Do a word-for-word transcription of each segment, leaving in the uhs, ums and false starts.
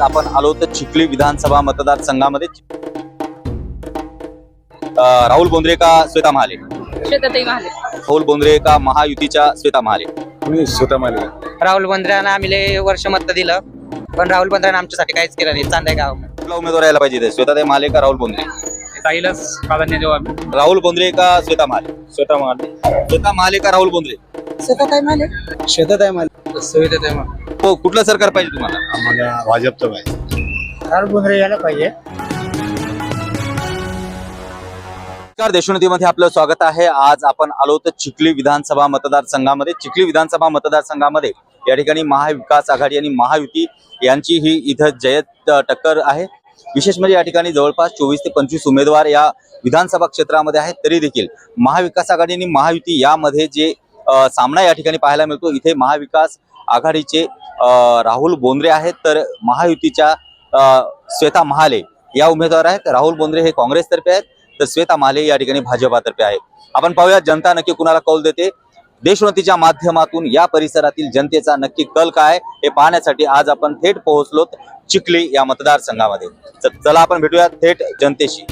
आपण आलो तर चिखली विधानसभा मतदारसंघामध्ये राहुल बोंद्रे का श्वेता महाले? श्वेताताई महाले. राहुल बोंद्रे का महायुतीच्या श्वेता महाले? मी श्वेता महाले. राहुल बोंद्रेंना आम्ही लय वर्ष मत दिलं, पण राहुल बोंद्रेंना आमच्यासाठी काहीच केलं नाही. चांदाय गाव कुठला उमेदवार यायला पाहिजे? श्वेताताई महाले का राहुल बोंद्रे? ताईलाच प्राधान्य देऊ आम्ही. राहुल बोंद्रे का श्वेता महाले? श्वेता महाले. श्वेता महाले का राहुल बोंद्रे? श्वेताताई महाले. श्वेताताई महाले. श्वेताताई महाले. हो, कुठलं सरकार पाहिजे तुम्हाला? आम्हाला भाजपचं पाहिजे. राहुल बोंद्रे यायला पाहिजे. नमस्कार, देशोन्नतीमध्ये आपलं स्वागत आहे. आज आपण आलो तर चिखली विधानसभा मतदारसंघामध्ये. चिखली विधानसभा मतदारसंघामध्ये या ठिकाणी महाविकास आघाडी आणि महायुती यांची ही इथं जयत टक्कर आहे. विशेष म्हणजे या ठिकाणी जवळपास चोवीस ते पंचवीस उमेदवार या विधानसभा क्षेत्रामध्ये आहेत. तरी देखील महाविकास आघाडी आणि महायुती यामध्ये जे सामना या ठिकाणी पाहायला मिळतो, इथे महाविकास आघाडीचे राहुल बोंद्रे आहेत, तर महायुतीच्या श्वेता महाले या उमेदवार आहेत. राहुल बोंद्रे हे काँग्रेसतर्फे आहेत, तर श्वेता महाले या ठिकाणी भाजपातर्फे आहे. आपण पाहूया जनता नक्की कुणाला कौल देते. देशोन्नतीच्या माध्यमातून या परिसरातील जनतेचा नक्की कल काय हे पाहण्यासाठी आज आपण थेट पोहोचलो चिखली या मतदारसंघामध्ये. चला आपण भेटूया थेट जनतेशी.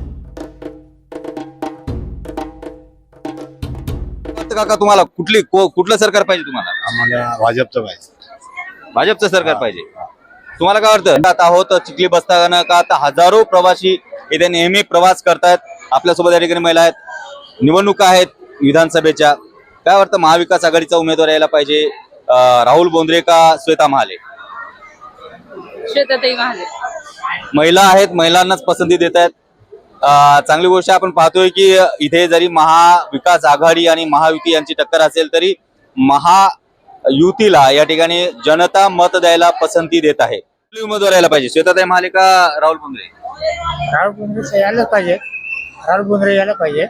काका, तुम्हाला कुठली कुठलं सरकार पाहिजे? तुम्हाला आम्हाला भाजपचं पाहिजे. भाजपचं सरकार पाहिजे. तुम्हाला काय वाटतं? आता आहोत चिखली बसताना का आता हजारो प्रवासी इथे नेहमी प्रवास करतायत. आपल्यासोबत या ठिकाणी महिला आहेत. निवडणुका आहेत विधानसभेच्या. काय वाटतं, महाविकास आघाडीचा उमेदवार यायला पाहिजे राहुल बोंद्रे का श्वेता महाले? श्वेताताई महाले. महिला आहेत, महिलांनाच पसंती देत आहेत. चांगली गोष्ट आपण पाहतोय की इथे जरी महाविकास आघाडी आणि महायुती यांची टक्कर असेल तरी महायुतीला या ठिकाणी जनता मत द्यायला पसंती देत आहे. कुठली उमेदवार यायला पाहिजे? श्वेताताई महाले का राहुल बोंद्रे? राहुल बोंद्रे यायला पाहिजे. राहुल बोंद्रे यायला पाहिजे.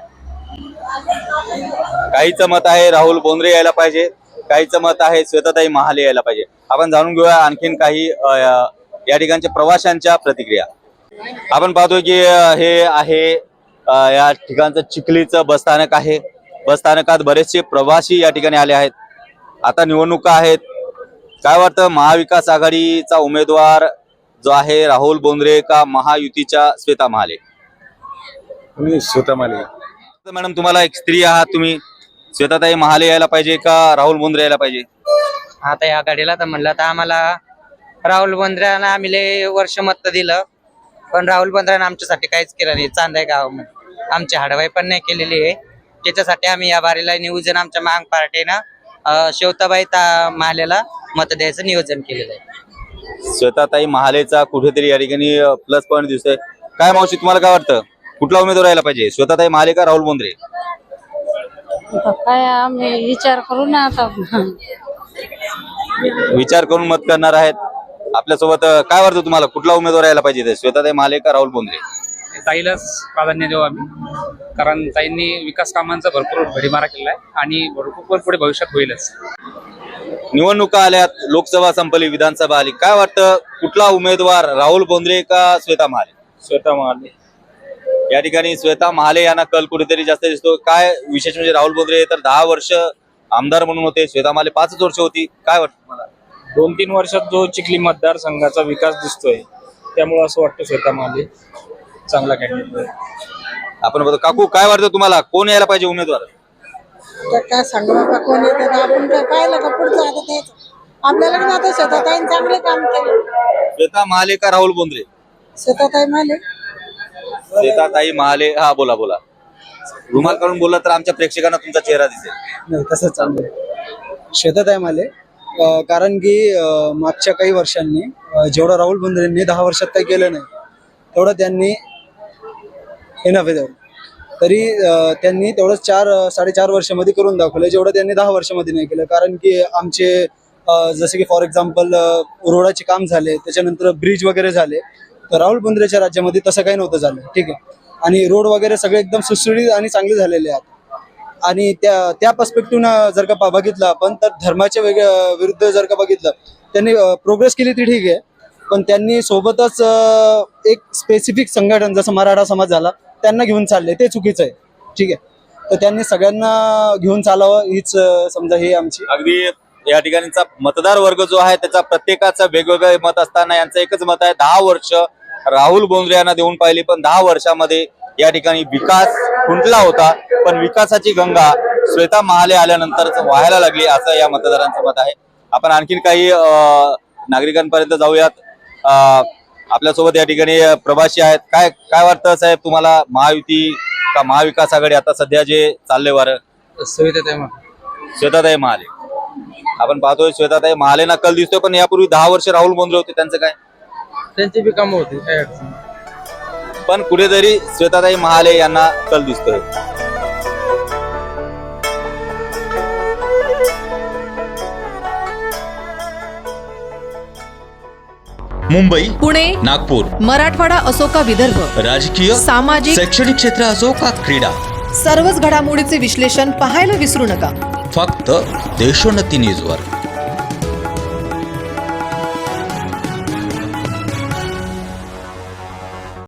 काहीचं मत आहे राहुल बोंद्रे यायला पाहिजे, काहीचं मत आहे श्वेताताई महाले यायला पाहिजे. आपण जाणून घेऊया आणखीन काही या ठिकाणच्या प्रवाशांच्या प्रतिक्रिया. आपण पाहतोय की हे आहे या ठिकाणचं चिखलीचं बसस्थानक आहे. बसस्थानकात बरेचसे प्रवासी या ठिकाणी आले आहेत. आता निवडणुका आहेत. काय वाटतं, महाविकास आघाडीचा उमेदवार जो आहे राहुल बोंद्रे का महायुतीच्या श्वेता महाले? मी श्वेता महाले. मॅडम, तुम्हाला एक स्त्री आहात, तुम्ही श्वेताताई महाले यायला पाहिजे का राहुल बोंद्रे यायला पाहिजे? आता या गाडीला तर म्हणलं तर आम्हाला राहुल बोंद्रेंना आम्ही लय वर्ष मत दिलं, पण राहुल बोंद्रेंना आमच्यासाठी काहीच केलं नाही. चांदाय गाव आमची हाडवाई पण नाही केलेली आहे. त्याच्यासाठी आम्ही या बारीला नियोजन आमच्या महाग पार्टीनं श्वेताबाई महालेला मत द्यायचं नियोजन केलेलं आहे. श्वेताताई महालेचा कुठेतरी या ठिकाणी प्लस पॉईंट दिसतोय. काय मावशी, तुम्हाला काय वाटतं, कुठला उमेदवार यायला पाहिजे? श्वेताताई महाले का राहुल बोंद्रे? काय आम्ही विचार करू ना आता. विचार करून मत करणार आहेत. आपल्यासोबत काय वाटतं तुम्हाला, कुठला उमेदवार यायला पाहिजे? श्वेताताई महाले का राहुल बोंद्रे? ताईलाच प्राधान्य देऊ आम्ही, कारण ताईंनी विकास कामांचा भरपूर भडीमारा केला आहे आणि भरपूर पुढे भविष्यात होईलच. निवडणुका आल्यात, लोकसभा संपली, विधानसभा आली. काय वाटतं, कुठला उमेदवार राहुल बोंद्रे का श्वेता महाले? श्वेता महाले. या ठिकाणी श्वेता महाले यांना कल कुठेतरी जास्त दिसतो. काय विशेष म्हणजे राहुल बोंद्रे तर दहा वर्ष आमदार म्हणून होते, श्वेता महाले पाचच वर्ष होती. काय वाटतं तुम्हाला? दोन तीन वर्षात जो चिखली मतदारसंघाचा विकास दिसतोय, त्यामुळे असं वाटतं श्वेता महाले चांगला कॅन्डिडेट. आपण बघतो. काकू, काय वाटतं तुम्हाला, कोण यायला पाहिजे उमेदवार? काय सांगू नका कोण येतं, आपण काय पाहिलं का पुढचं. आता तेच आपल्याला पण आता श्वेताताई चांगले काम केले. श्वेता महाले का राहुल बोंद्रे? श्वेताताई महाले. श्वेताताई महाले. हा, बोला बोला. रुमाल काढून बोलला तर आमच्या प्रेक्षकांना तुमचा चेहरा दिसेल. नाही, तसं चाललंय. श्वेताताई महाले. कारण की मागच्या काही वर्षांनी जेवढं राहुल बोंद्रेंनी दहा वर्षात काही केलं नाही, तेवढं त्यांनी एनफ आहे. तरी त्यांनी तेवढं चार साडेचार वर्षामध्ये करून दाखवलं, जेवढं त्यांनी दहा वर्षामध्ये नाही केलं. कारण की आमचे जसे की फॉर एक्झाम्पल रोडाचे काम झाले, त्याच्यानंतर ब्रिज वगैरे झाले, तर राहुल बोंद्रेच्या राज्यामध्ये तसं काही नव्हतं झालं. ठीक आहे. आणि रोड वगैरे सगळे एकदम सुसुडीत आणि चांगले झालेले आहेत. आणि त्या त्या पर्स्पेक्टिव्हनं जर का बघितलं आपण, तर धर्माच्या वेगळ्या विरुद्ध जर का बघितलं, त्यांनी प्रोग्रेस केली ती ठीक आहे, पण त्यांनी सोबतच एक स्पेसिफिक संघटन जसं मराठा समाज झाला त्यांना घेऊन चालले, ते चुकीचं आहे. ठीक आहे. तर त्यांनी सगळ्यांना घेऊन चालावं हीच समजा हे आमची. अगदी या ठिकाणीचा मतदार वर्ग जो आहे त्याचा प्रत्येकाचं वेगवेगळे मत असताना यांचं एकच मत आहे, दहा वर्ष राहुल बोंद्रे यांना देऊन पाहिली, पण दहा वर्षामध्ये या ठिकाणी विकास खुंटला होता, पण विकासाची गंगा श्वेता महाले आल्यानंतरच व्हायला लागली, असं या मतदारांचं मत आहे. आपण आणखीन काही अं, नागरिकांपर्यंत जाऊयात. अं, आपल्यासोबत या ठिकाणी प्रवासी आहेत. काय काय वाटतं साहेब तुम्हाला, महायुती का महाविकास आघाडी आता सध्या जे चालले वारं? श्वेताताई महाले. आपण पाहतोय श्वेताताई महालेंना कल दिसतोय, पण यापूर्वी दहा वर्ष राहुल बोंद्रे होते, त्यांचं काय? त्यांची बी कामं होती, काय अडचण पण कुठेतरी श्वेताताई महाले यांना कल दिसतोय. मुंबई, पुणे, नागपूर, मराठवाडा असो का विदर्भ, राजकीय, सामाजिक, शैक्षणिक क्षेत्र असो का क्रीडा, सर्वच घडामोडीचे विश्लेषण पाहायला विसरू नका. फक्त देशोन्नती न्यूजवर.